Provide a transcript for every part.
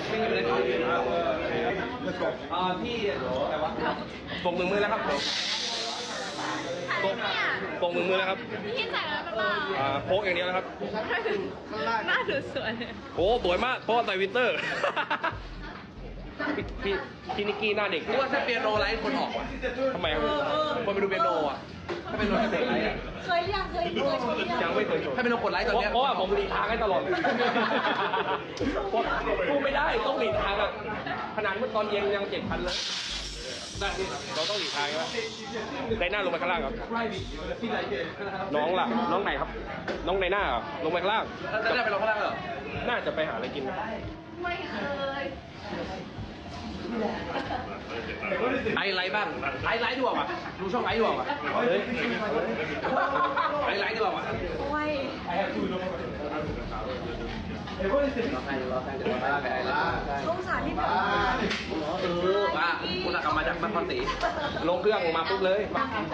พี่ปกหนึ่งมือแล้วครับปกหนึ่งมือแล้วครับพี่จ่ายแล้วหรือเปล่าโพกอย่างเดียวแล้วครับหน้าดูสวยโอ้สวยมากเพราะใส่วินเตอร์พี่นิกกี้หน้าเด็กว่าถ้าเปียโนไลฟ์คนออกว่ะทำไมครับคนไปดูเปียโนอ่ะถ้าเป็นโนเด็กเคยยังชมยังไม่เคยชมถ้าเป็นโนกดไลฟ์ตอนนี้เพราะว่าผมหลีกทางให้ตลอดพูดไม่ได้ต้องหลีกทางอ่ะขนาดเมื่อตอนเย็นยัง7,000เลยเราต้องหลีกทางใช่ไหมได้หน้าลงไปข้างล่างครับน้องล่ะน้องไหนครับน้องในหน้าลงไปข้างล่างจะได้ไปลงข้างล่างเหรอน่าจะไปหาอะไรกินไม่เคยไลฟ์บ้างไลฟ์ดีกว่าดูช่องไลฟ์ดีกว่าไลฟ์ดีกว่าโอ้ยสงสารที่แบบว่าคุณกลับมาจากนครศรีลงเครื่องมาปุ๊บเลย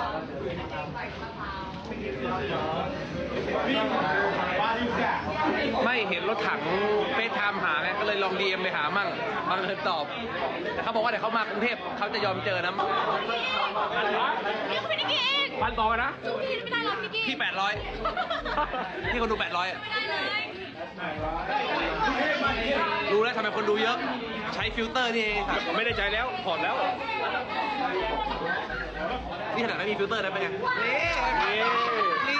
ไม่เห็นรถถังเฟซไทม์หาไงก็เลยลองดีเอ็มไปหามั่งบางเลยตอบแต่เขาบอกว่าเดี๋ยวเขามากรุงเทพเขาจะยอมเจอนะนี่คุณนิกกี้เองพันต่อนะพี่ไม่ได้หรอกนิกกี้พี่800พี่คนดู800 ไม่ได้เลยรู้แล้วทำไมคนดูเยอะใช้ฟิลเตอร์นี่เองไม่ได้ใจแล้วถอดแล้วนี่ขนาดไม่มีฟิลเตอร์ได้ไหมนี่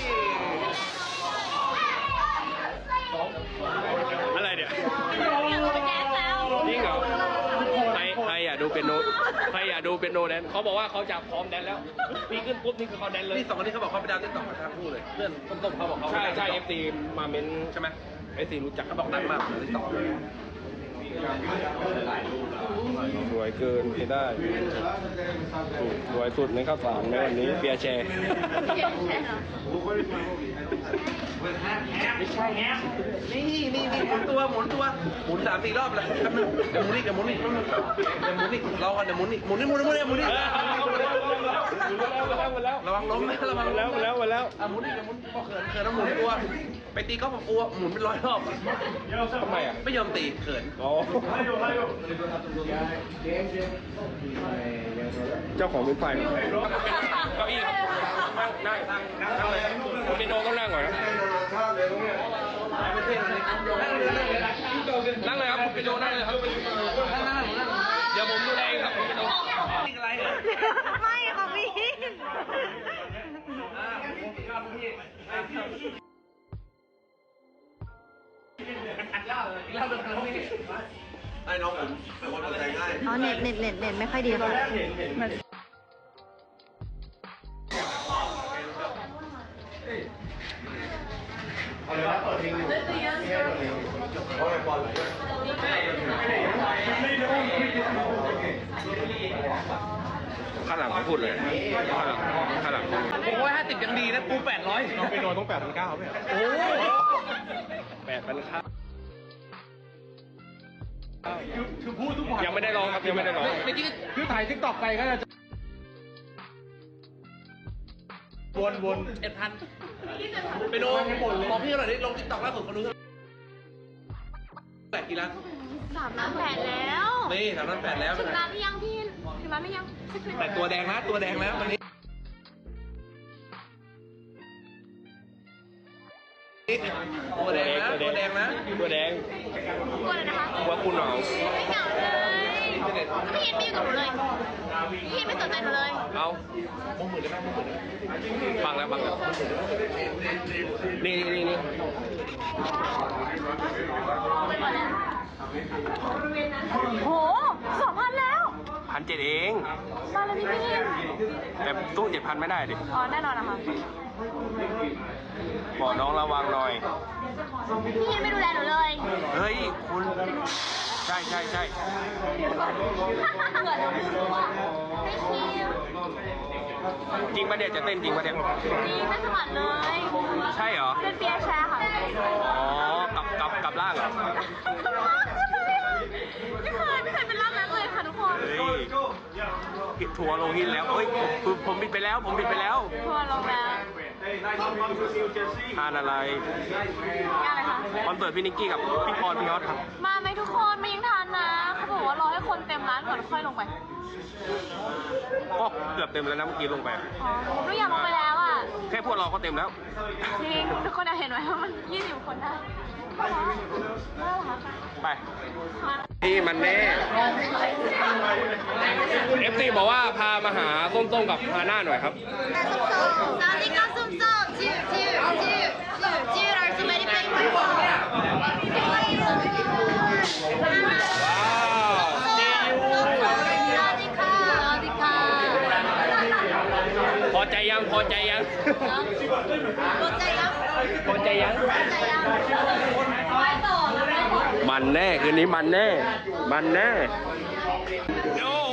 อะไรเนี่ยอยากไปแดนแล้วจริงเหรอใครอยากดูเป็นโนใครอยากดูเป็นโนแดนเขาบอกว่าเขาจะพร้อมแดนแล้วปีขึ้นปุ๊บนี่คือเขาแดนเลยนี่2คนนี้เขาบอกเขาไปดาวติ๊กต็อกทั้งคู่เลยเพื่อนต้มเขาบอกเขาใช่เอฟซีมาเมนใช่ไหมเอฟซีรู้จักเขาบอกดังมากติ๊กต็อกสวยเกินที่ได้สวยสุดในข้าวสารในวันนี้เปียแชร์ไม่ใช่นี่หมุนตัวหมุน3-4รอบเลยแป๊บนึงเดี๋ยวหมุนอีกรอกันเดี๋ยวหมุนอีกหมุนระวังล้มนะระวังแล้วหมุนอีกพอเขินแล้วหมุนตัวไปตีก็บอกกลัวหมุนเป็น100 รอบทำไมอ่ะไม่ยอมตีเขินเจ้าของเป็นฝ่ายเก้าอี้นั่งเลยคุณเป็นโนก็นั่งก่อนนะนั่งเลยครับคุณเป็นโนนั่งเลยครับเดี๋ยวผมดูแลครับคุณเป็นโนอะไรไม่ค่ะพี่ไอ้น้องผมเป็นคนใจง่ายอ๋อเน็ตไม่ค่อยดีค่ะเอาเลยนะเปิดเพลงอยู่โอ้ยบอลข้างหลังเขาพูดเลยข้างหลัง 650ยังดีนะกู800 น้องไปโดนต้อง8,900ไหมโอ้8,900คือพูดทุกวันยังไม่ได้ร้องครับยังไม่ได้ร้องเมื่อกี้คือถ่ายทิกตอกไปก็จะวน 1,000ไปโดนบอกพี่หน่อยดิลงติ๊กต็อกล่าสุดเขารู้8 กี่ล้าน 3 ล้าน 8แล้วนี่3 ล้าน 8แล้วถึงล้านหรือยังพี่ถึงล้านหรือยังแต่ตัวแดงนะตัวแดงแล้ววันนี้ตัวแดงนะตัวแดงกลัวเลยนะคะว่าคุณเหงาไม่เหงาเลยพี่ไม่อยู่กับหนูเลยพี่ไม่สนใจหนูเลยเอาบังแล้วนี่โห2,000แล้ว 1,700เองมาเลยพี่แต่ตู้7,000ไม่ได้ดิอ๋อแน่นอนนะคะบอกน้องระวังหน่อยพี่ไม่ดูแลหนูเลยเฮ้ยคุณใช่เหมือนรู้ว่าไม่คิวจริงปะเนี่ยจะเต้นจริงปะเนี่ยจริงไม่สมัครเลยใช่เหรอเป็นเปียแชร์ค่ะอ๋อกลับล่างเหรอไม่เคยเป็นร่างนั้นเลยค่ะทุกคนทัวร์ลงหินแล้วเฮ้ยผมบิดไปแล้วทัวร์ลงแล้วทานอะไรอะไรคะคอนเสิร์ตพี่นิกกี้กับพี่พรพี่ยอดครับมาไหมทุกคนมายังทัมร้านก่อนค่อยลงไปก็เกือบเต็มแล้วนะเมื่อกี้ลงไปอ๋อหนูอยากลงไปแล้วอ่ะแค่พวกเราก็เต็มแล้วจริงทุกคนเห็นไหมว่ามัน20 คนได้น่ารักไปมานี่มันแน่ FT บอกว่าพามาหาส้มๆกับฮาน่าหน่อยครับสวัสดีครับส้มๆจิ๋วเราจะไม่ได้ไปไหนว้าวว้าวจิวสวัสดีค่ะสวัสดีค่ะพอใจยัง พอใจยังพอใจยังพอใจยังพอใจยังไปต่อแล้วไปต่อมันแน่คืนนี้มันแน่ มันแน่โอ้